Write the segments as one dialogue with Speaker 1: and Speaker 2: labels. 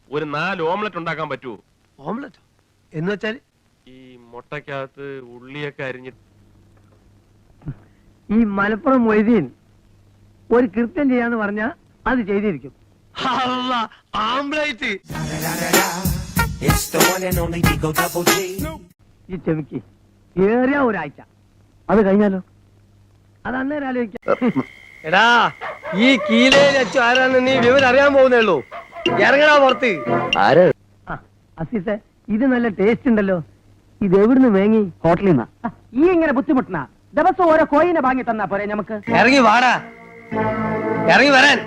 Speaker 1: ഒരു 4 ഓംലെറ്റ് ഉണ്ടാക്കാൻ പറ്റുമോ?
Speaker 2: ഓംലെറ്റ് എന്ന് വെച്ചാൽ
Speaker 1: ഈ മുട്ടക്കകത്ത് ഉള്ളിയൊക്കെ അരിഞ്ഞിട്ട്.
Speaker 2: ഈ മലപ്പുറം മൊയ്തീൻ ഒരു കൃത്യം ചെയ്യാന്ന് പറഞ്ഞാ അത് ചെയ്തിരിക്കും. ആംബ്ലേറ്റ് ഈ ചെമിക്ക് ഏറിയ ഒരാഴ്ച അത് കഴിഞ്ഞാലോ? അത് അന്നേരം ആലോചിക്കാം. എടാ ഈ കീലയിൽ വെച്ചു ആരാന്ന് നീ വിവരം അറിയാൻ പോകുന്നേ ഉള്ളൂ. ഇറങ്ങടാ പുറത്ത്. അസീസെ ഇത് നല്ല ടേസ്റ്റ് ഉണ്ടല്ലോ. ഇത് എവിടുന്ന് വേങ്ങി?
Speaker 3: ഹോട്ടലിൽ നിന്നാ. ഈ ഇങ്ങനെ ബുദ്ധിമുട്ടുന്ന ദിവസം ഓരോ കോയിനെ വാങ്ങി തന്നാ പോരെ നമുക്ക്?
Speaker 2: ഇറങ്ങി വാടാ, ഇറങ്ങി വരാൻ.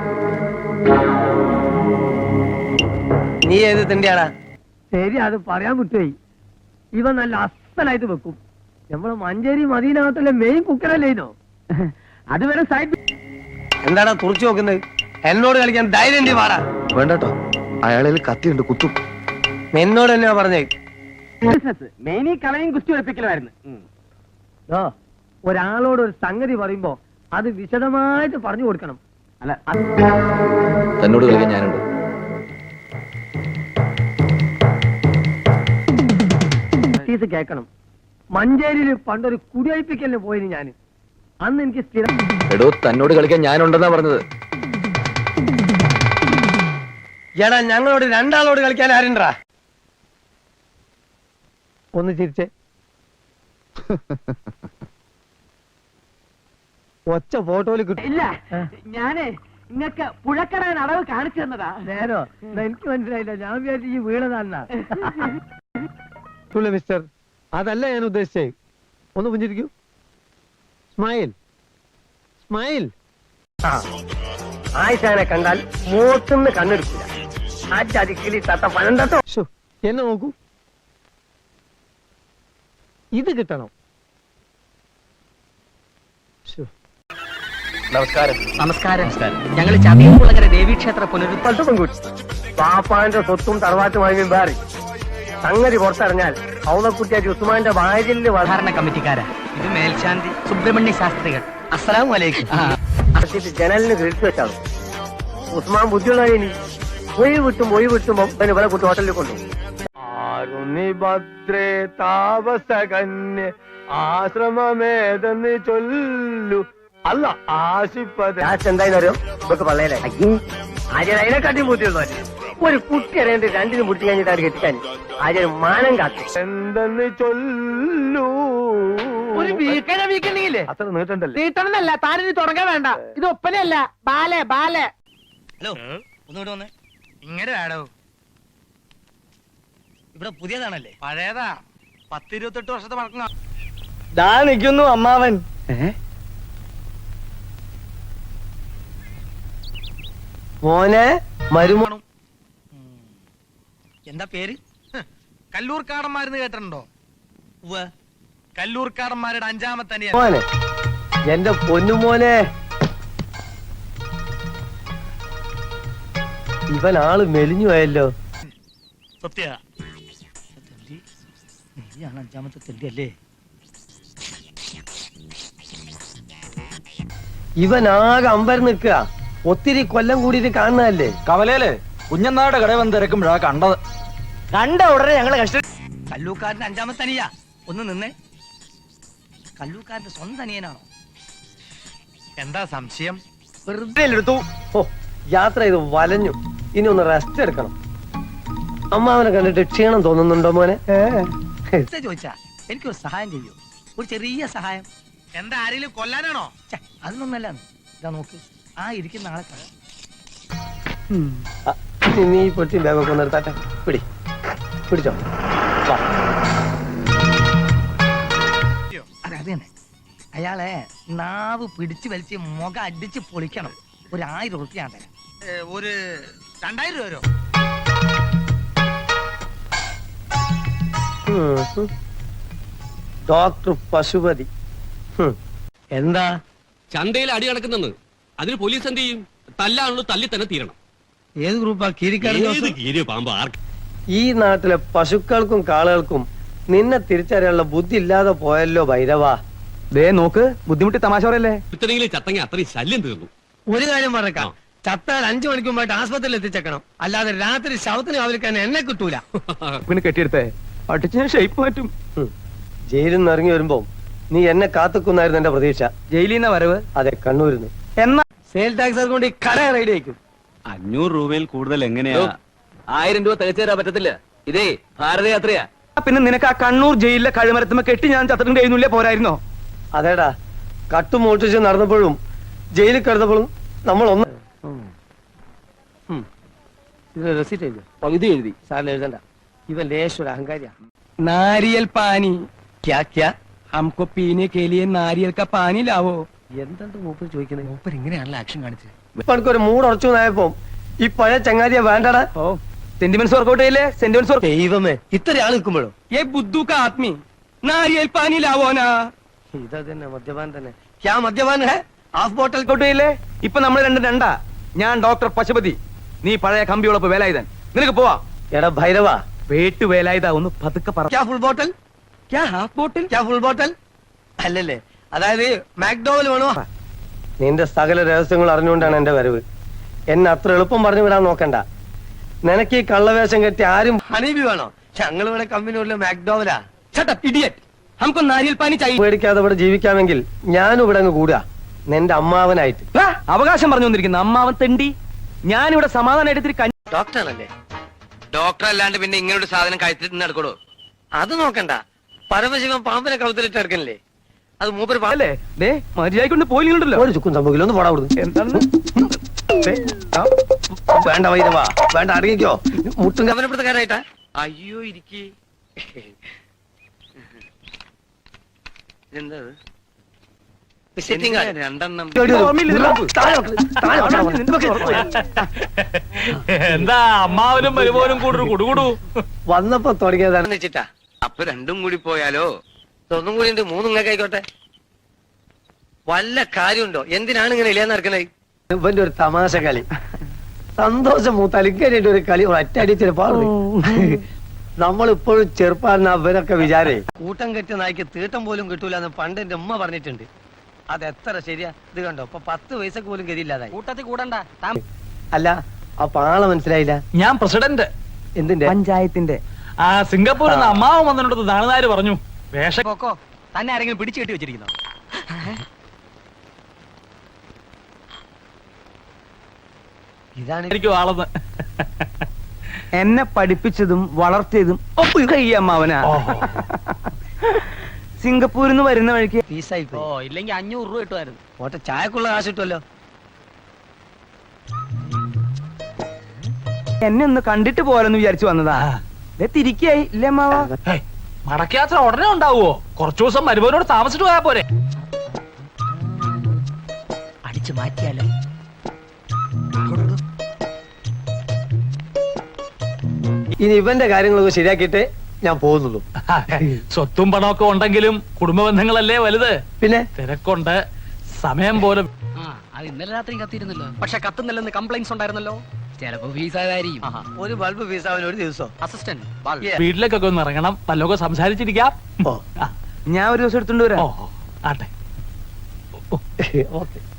Speaker 2: നീ ഏത് തിണ്ടിയാടാ? ശരി, അത് പറയാൻ വിട്ടുപോയി. ഇവ നല്ല അസലായിട്ട് വെക്കും. നമ്മളെ മഞ്ചേരി മദീനകത്തുള്ള മെയിൻ കുക്കറല്ലേ ഇതോ?
Speaker 3: അതുവരെ സൈഡ്.
Speaker 2: എന്താടാ തുറച്ചു നോക്കുന്നത്? എന്നോട് കളിക്കാൻ ധൈര്യം വാടാ.
Speaker 4: വേണ്ടട്ടോ, അയാളിൽ കത്തിയുണ്ട്, കുത്തും.
Speaker 2: എന്നോട് തന്നെയാ പറഞ്ഞേ.
Speaker 3: ബിസിനസ് മെയിനി കളയും കുസ്തി ഉറപ്പിക്കലായിരുന്നു.
Speaker 2: ഒരാളോട് ഒരു സംഗതി പറയുമ്പോ അത് വിശദമായിട്ട് പറഞ്ഞു കൊടുക്കണം.
Speaker 3: അല്ല,
Speaker 4: തന്നോട് കളിക്കാൻ ഞാനുണ്ട്.
Speaker 2: കേക്കണം. മഞ്ചേരിയില് പണ്ടൊരു കുടിയൊഴിപ്പിക്കലിന് പോയിന് ഞാൻ. അന്ന് എനിക്ക് സ്ഥിരം
Speaker 4: എടോ, തന്നോട് കളിക്കാൻ ഞാനുണ്ടെന്നാ പറഞ്ഞത്.
Speaker 2: എടാ ഞങ്ങളോട് രണ്ടാളോട് കളിക്കാൻ ആരുണ്ടാ? ഒന്ന് ചിരിച്ചേ. ഒച്ച ഫോട്ടോയില് കിട്ടും.
Speaker 3: ഇല്ല, ഞാനേ നിങ്ങൾക്ക് പുഴക്കടൻ അളവ് കാണിച്ചു തന്നതാ.
Speaker 2: നേരോ? എനിക്ക് മനസ്സിലായില്ല. ഞാൻ വിചാരിച്ചു ഈ വീണതാന്നാ. മിസ്റ്റർ, അതല്ല ഞാൻ ഉദ്ദേശിച്ചേ. ഒന്ന് പുഞ്ചിരിക്കൂ. Smile smile. ആയിഷാനെ കണ്ടാൽ മൂത്തുന്ന് കണ്ണെടുക്കില്ല. ആ ചതിക്കിലി തത്ത പനം തട്ടോ. എന്നെ നോക്കൂ, ഇത് കിട്ടണം.
Speaker 1: നമസ്കാരം.
Speaker 3: നമസ്കാരം. ഞങ്ങൾ ചതയംകുളങ്ങര ദേവീക്ഷേത്ര
Speaker 2: പാപ്പാന്റെ സ്വത്തും തറവാറ്റുമായി മാറി സംഗതി പുറത്തറിഞ്ഞാൽ ഔളക്കുട്ടിയാക്കി ഉസ്മാന്റെ വായലില്
Speaker 3: സാധാരണ കമ്മിറ്റിക്കാരാ. ഇത് മേൽശാന്തി സുബ്രഹ്മണ്യ ശാസ്ത്രികൾ.
Speaker 2: അസ്സലാമു അലൈക്കും. ജനലിന് കിഴിച്ചു വെച്ചാണ്. ഉസ്മാൻ ബുദ്ധിയുള്ളവനി ഒഴി വിട്ടുമ്പോ ഇവിടെ കുട്ടി ഹോട്ടലിൽ കൊണ്ടുപോകും. ഭദ്രേ താപസകന്യ ആശ്രമമേതെന്ന് ചൊല്ലു. അല്ല ആശിപ്പത് എന്തായാലും ഇതൊക്കെ പള്ളയിലെ അതിനെക്കാട്ടിയും ബുദ്ധിയുള്ളവര്. ഒരു കുട്ടി അറിയാണ്ട് രണ്ടിനും പിടിച്ചു കഴിഞ്ഞിട്ട് കെട്ടിക്കാൻ ആര്യ മാനം കാത്തു. എന്തെന്ന് ചൊല്ലു.
Speaker 3: ഒരു വീക്കണില്ലേ?
Speaker 2: അത്ര നീട്ടണ്ടല്ലേ?
Speaker 3: നീട്ടണമെന്നല്ല, താനിത് തുടങ്ങാൻ വേണ്ട. ഇത് ഒപ്പനയല്ല, ബാലെ ബാലെ.
Speaker 5: ഹലോ, ഒന്നുകൂടെ വന്നേ. ഇങ്ങനെ വേണോ? ഇവിടെ പുതിയതാണല്ലേ? പഴയതാ, 10-28 വർഷത്തെ പഴക്കം.
Speaker 2: ദാ നിൽക്കുന്നു അമ്മാവൻ. മോനെ മരുമോണം.
Speaker 5: എന്താ പേര്?
Speaker 1: കല്ലൂർക്കാടന്മാരെന്ന് കേട്ടിട്ടുണ്ടോ? കല്ലൂർക്കാടന്മാരുടെ 5ാമത്തെ അനിയൻ.
Speaker 2: മോനെ, എന്റെ പൊന്നുമോനെ, ഇവൻ ആള് മെലിഞ്ഞു പോയല്ലോ.
Speaker 5: സത്യ, നീയാണ് 5ാമത്തെ തെണ്ടി അല്ലേ?
Speaker 2: ഇവൻ ആകെ അമ്പരം നിൽക്കുക. ഒത്തിരി കൊല്ലം കൂടിയിട്ട് കാണുന്നതല്ലേ.
Speaker 4: കവലയില് കുഞ്ഞനാട് കട വന്ന് തിരക്കുമ്പോഴാ കണ്ടത്.
Speaker 2: കണ്ട ഉടനെ ഞങ്ങള്
Speaker 5: കല്ലൂർക്കാരന്റെ 5ാമത്തെ അനിയ. ഒന്ന് നിന്നേ. കല്ലൂർക്കാരന്റെ സ്വന്തം അനിയനാണോ?
Speaker 1: എന്താ സംശയം?
Speaker 2: വെറുതെ എടുത്തു. ഓ, യാത്ര ചെയ്ത് വലഞ്ഞു. ഇനി ഒന്ന് റെസ്റ്റ് എടുക്കണം. അമ്മാവനെ കണ്ടിട്ട് ക്ഷീണം തോന്നുന്നുണ്ടോ മോനെ?
Speaker 5: ചോദിച്ചാ എനിക്കൊരു സഹായം ചെയ്യൂ. ഒരു ചെറിയ സഹായം.
Speaker 1: എന്താ, ആരെങ്കിലും കൊല്ലാനാണോ?
Speaker 5: അതൊന്നല്ല. ഇതാ നോക്ക്, ആ ഇരിക്കുന്ന ആളെ കാണാം.
Speaker 2: നീ പൊട്ടി ബാഗൊക്കെ നിർത്താട്ടെ. പിടിച്ചോ.
Speaker 5: അതെ, അത് തന്നെ. അയാളെ നാവ് പിടിച്ചു വലിച്ച് മുഖം അടിച്ച് പൊളിക്കണം. ഒരു 1000 ഉറുപ്പിക ഞാൻ തരാം.
Speaker 1: ഒരു 2000 രൂപ വരോ?
Speaker 2: ഡോക്ടർ പശുപതി. എന്താ
Speaker 6: ചന്തയിൽ അടി നടക്കുന്നെന്ന് അതിന് പോലീസ് എന്ത് ചെയ്യും? തല്ലാണല്ലോ, തല്ലി തന്നെ തീരണം.
Speaker 2: ഏത് ഗ്രൂപ്പാ?
Speaker 6: കീരി പാമ്പ് ആർക്ക്?
Speaker 2: ഈ നാട്ടിലെ പശുക്കൾക്കും കാളുകൾക്കും നിന്നെ തിരിച്ചറിയാനുള്ള ബുദ്ധി ഇല്ലാതെ പോയല്ലോ ഭൈരവാ.
Speaker 4: ദേ നോക്ക്, ബുദ്ധിമുട്ടി തമാശ പറയല്ലേ.
Speaker 6: ഇത്രയെങ്കിലും ചത്തങ്ങ അത്രയും ശല്യം തീർന്നു.
Speaker 2: ഒരു കാര്യം പറഞ്ഞേക്കാം, ചത്താൽ 5 മണിക്ക് മുമ്പായിട്ട് ആസ്പത്രിയിൽ എത്തിച്ചേക്കണം. അല്ലാതെ രാത്രി ശവത്തിന് കാവലിക്കാൻ എന്നെ കിട്ടൂല.
Speaker 3: പിന്നെ കെട്ടിയെടുത്തേ അടിച്ച് ഞാൻ ഷേപ്പ് മാറ്റും.
Speaker 2: ജയിലിൽ നിന്ന് ഇറങ്ങി വരുമ്പോ നീ എന്നെ കാത്തുക്കുന്നായിരുന്നു എന്റെ പ്രതീക്ഷ.
Speaker 3: ജയിലിൽ നിന്ന് വരവ്
Speaker 2: അതെ, കണ്ണൂരിന്ന്.
Speaker 3: എന്നാ
Speaker 2: സെയിൽ ടാക്സ് കൊണ്ട് ഈ കട റെഡി ആയിരിക്കും.
Speaker 7: 500 രൂപയിൽ കൂടുതൽ എങ്ങനെയാ?
Speaker 4: 1000 രൂപ തികച്ചു തരാൻ പറ്റത്തില്ല. ഇതേ ഭാരതയാത്രയാ.
Speaker 3: പിന്നെ നിനക്ക് ആ കണ്ണൂർ ജയിലിലെ കഴിമരത്തുമ്പോ കെട്ടി ഞാൻ ചത്തിട്ടും കഴിയുന്നില്ലേ പോരായിരുന്നോ?
Speaker 2: അതേടാ, കട്ടും മോട്ടിച്ച് നടന്നപ്പോഴും ജയിലിൽ കിടന്നപ്പോഴും നമ്മൾ ഒന്ന് റെസിറ്റ് എഴുതി പകുതി എഴുതി സാറിന് എഴുതണ്ട. ഇവൻ ലേശൊരു അഹങ്കാരിയാ.
Speaker 3: नारियल पानी क्या क्या हमको पीने के लिए नारियल का पानी लाओ.
Speaker 2: എന്താണ് മൂപ്പർ ചോദിക്കുന്നത്?
Speaker 5: മൂപ്പർ ഇങ്ങനെയാണല്ലോ ആക്ഷൻ കാണിച്ചത്.
Speaker 2: ഇപ്പൊ എനിക്കൊരു മൂഡ് ഉറച്ചു നായപ്പോ ഈ പഴയ ചങ്ങാതിയെ വേണ്ടടാ.
Speaker 3: ओ सेंटिमेंट्स वर्कआउट ചെയ്യില്ലേ? Sentiments work.
Speaker 2: ദൈവമേ, ഇത്ര ആൾ നിൽക്കുമ്പോഴോ?
Speaker 3: ये बुद्धू का आदमी नारियल पानी लाओ ना.
Speaker 2: ഇതാ തന്നെ മദ്യപാൻ തന്നെ. ക്യാ മദ്യപാൻ ഹേ? ഹാഫ് ബോട്ടൽ
Speaker 3: വർക്കൗട്ട് ചെയ്യില്ലേ? ഇപ്പൊ നമ്മൾ രണ്ടാ. ഞാൻ ഡോക്ടർ പശുപതി, നീ പഴയ കമ്പിയോളപ്പ് വേലായുധൻ. നിനക്ക് പോവാ.
Speaker 2: എടാ ഭൈരവ,
Speaker 3: വേട്ടു വേലായുധ ഒന്ന് പതുക്കെ പറ.
Speaker 2: ക്യാ ഫുൾ ബോട്ടൽ?
Speaker 3: क्या हाफ बोतल?
Speaker 2: ക്യാ ഫുൾ ബോട്ടൽ? അല്ലല്ലേ, അതായത് മാക്ഡോവൽ വേണോ? നിന്റെ സകല രഹസ്യങ്ങൾ അറിഞ്ഞുകൊണ്ടാണ് എന്റെ വരവ്. എന്നെ അത്ര എളുപ്പം പറഞ്ഞു വിടാൻ നോക്കണ്ട. നിനക്ക് ഈ കള്ളവേഷം കെട്ടി ആരും ഹണീബി വേണോ? ഞങ്ങൾ ഇവിടെ കമ്പനിയുള്ള മാക്ഡോവലാ.
Speaker 3: Shut up, idiot. हमको नारियल पानी चाहिए.
Speaker 2: പേടിക്കാതെ ഇവിടെ ജീവിക്കാമെങ്കിൽ ഞാനും ഇവിടെ അങ്ങ് കൂടുക, നിന്റെ അമ്മാവനായിട്ട്.
Speaker 3: ആ, അവകാശം പറഞ്ഞു വന്നിരിക്കുന്നു അമ്മാവൻ തെണ്ടി. ഞാനിവിടെ സമാധാനമായിട്ട് ഇത്തിരി കഞ്ഞി.
Speaker 2: ഡോക്ടറാണല്ലേ?
Speaker 4: ഡോക്ടർ അല്ലാണ്ട് പിന്നെ ഇങ്ങനെ ഒരു സാധനം കഴിച്ചിട്ട് നടക്കണോ?
Speaker 2: അത് നോക്കണ്ട. പരമശിവൻ പാമ്പിനെ കൗത്തിലിട്ട് എടുക്കണില്ലേ? അത് മൂപ്പര്
Speaker 3: അല്ലേ ദേ മര്യാദക്കൊണ്ട് പോയില്ലല്ലോ.
Speaker 2: ഒരു ചുക്കും സംഭവിക്കില്ല. ഒന്ന് പോടാ അവിടുന്ന്.
Speaker 3: എന്താണ്
Speaker 2: ദേ, ആ, വേണ്ട വൈരവാ, വേണ്ട അടങ്ങിക്കോ. മുട്ടും കവനപ്പെടുത്തക്കാരായിട്ടാ.
Speaker 4: അയ്യോ ഇരിക്കേ. എന്താ
Speaker 2: വിസിറ്റിംഗ് കാർഡ്.
Speaker 4: രണ്ടെണ്ണം.
Speaker 7: എന്താ അമ്മാവനും മരുമോനും കൂടി കുടുകുടു?
Speaker 2: വന്നപ്പോ തുടങ്ങിയതാണ് വെച്ചിട്ടാ.
Speaker 4: അപ്പൊ രണ്ടും കൂടി പോയാലോ?
Speaker 2: ഒന്നും കൂടി ഉണ്ട്, മൂന്നും ഇങ്ങനെ ആയിക്കോട്ടെ. വല്ല കാര്യമുണ്ടോ? എന്തിനാണ് ഇങ്ങനെ ഇല്ലാന്ന് നടക്കണേ? ഇവന്റെ ഒരു തമാശ കളി. സന്തോഷം മൂത്തലിക്കാനായിട്ട് ഒരു കളി ഒറ്റയടിച്ചൊരു പാടും. നമ്മളിപ്പോഴും ചെറുപ്പാന്ന് അവരൊക്കെ വിചാരേ. കൂട്ടം കെട്ടിയ നായ്ക്ക് തീട്ടം പോലും കിട്ടൂല എന്ന് പണ്ട് എന്റെ ഉമ്മ പറഞ്ഞിട്ടുണ്ട്. അത് എത്ര ശരിയാ? ഇത് കണ്ടോ, ഇപ്പൊ 10 പൈസക്ക് പോലും ഗതിയില്ലാതായി.
Speaker 5: കൂട്ടത്തിൽ കൂടണ്ട.
Speaker 2: അല്ല, അപ്പൊ ആളെ മനസ്സിലായില്ല.
Speaker 7: ഞാൻ പ്രസിഡന്റ്.
Speaker 2: എന്തിന്റെ?
Speaker 3: പഞ്ചായത്തിന്റെ.
Speaker 7: ആ സിംഗപ്പൂരിൽ നിന്ന് അമ്മാവൻ വന്നിട്ട് നാളുകാര് പറഞ്ഞു വേഷം
Speaker 5: കൊക്കോ തന്നെ ആരെങ്കിലും പിടിച്ചു കെട്ടി വെച്ചിരിക്കുന്നോ?
Speaker 2: ഇതാണ്
Speaker 7: ആയിരിക്കും ആളെന്ന്.
Speaker 3: എന്നെ പഠിപ്പിച്ചതും വളർത്തിയതും ഒക്കെ ഈ അമ്മാവനാ. സിംഗപ്പൂരിൽ നിന്ന് വരുന്ന വഴിക്ക്
Speaker 2: ഫീസായി
Speaker 5: ഓ ഇല്ലെങ്കിൽ 500 രൂപ കിട്ടുമായിരുന്നു.
Speaker 2: ഓട്ടെ, ചായക്കുള്ള കാശ് കിട്ടുമല്ലോ.
Speaker 3: എന്നെ ഒന്ന് കണ്ടിട്ട് പോരെന്ന് വിചാരിച്ചു വന്നതാ. ദേ തിരിക്കായി ഇല്ലേ അമ്മാവ?
Speaker 7: മടക്കയാത്ര ഉടനെ ഉണ്ടാവുമോ? കുറച്ചു ദിവസം മരുമോനോട് താമസിച്ചിട്ട് പോയാ പോരെ?
Speaker 5: അടിച്ചു മാറ്റിയാലോ?
Speaker 2: ഇനി ഇവന്റെ കാര്യങ്ങളൊക്കെ ശരിയാക്കിയിട്ട് ഞാൻ പോകുന്നുള്ളൂ.
Speaker 7: സ്വത്തും പണമൊക്കെ ഉണ്ടെങ്കിലും കുടുംബ ബന്ധങ്ങളല്ലേ വലുത്.
Speaker 2: പിന്നെ
Speaker 7: തിരക്കുണ്ട്, സമയം പോലെ.
Speaker 5: അത് ഇന്നലെ രാത്രി കത്തിയിരുന്നല്ലോ. പക്ഷെ കത്തുന്നില്ലെന്ന് കംപ്ലൈന്റ്സ് ഉണ്ടായിരുന്നല്ലോ. ചിലപ്പോ ഫീസായിരിക്കും.
Speaker 2: ഒരു ബൾബ് ഫീസാവാൻ ഒരു ദിവസം.
Speaker 5: അസിസ്റ്റന്റ്
Speaker 7: വീട്ടിലേക്കൊക്കെ ഒന്ന് ഇറങ്ങണം, വല്ലതൊക്കെ സംസാരിച്ചിരിക്കാം.
Speaker 2: ഓ,
Speaker 3: ഞാൻ ഒരു ദിവസം എടുത്തോണ്ട് വരാം.
Speaker 7: ഓ ആട്ടെ.
Speaker 2: ഓക്കെ.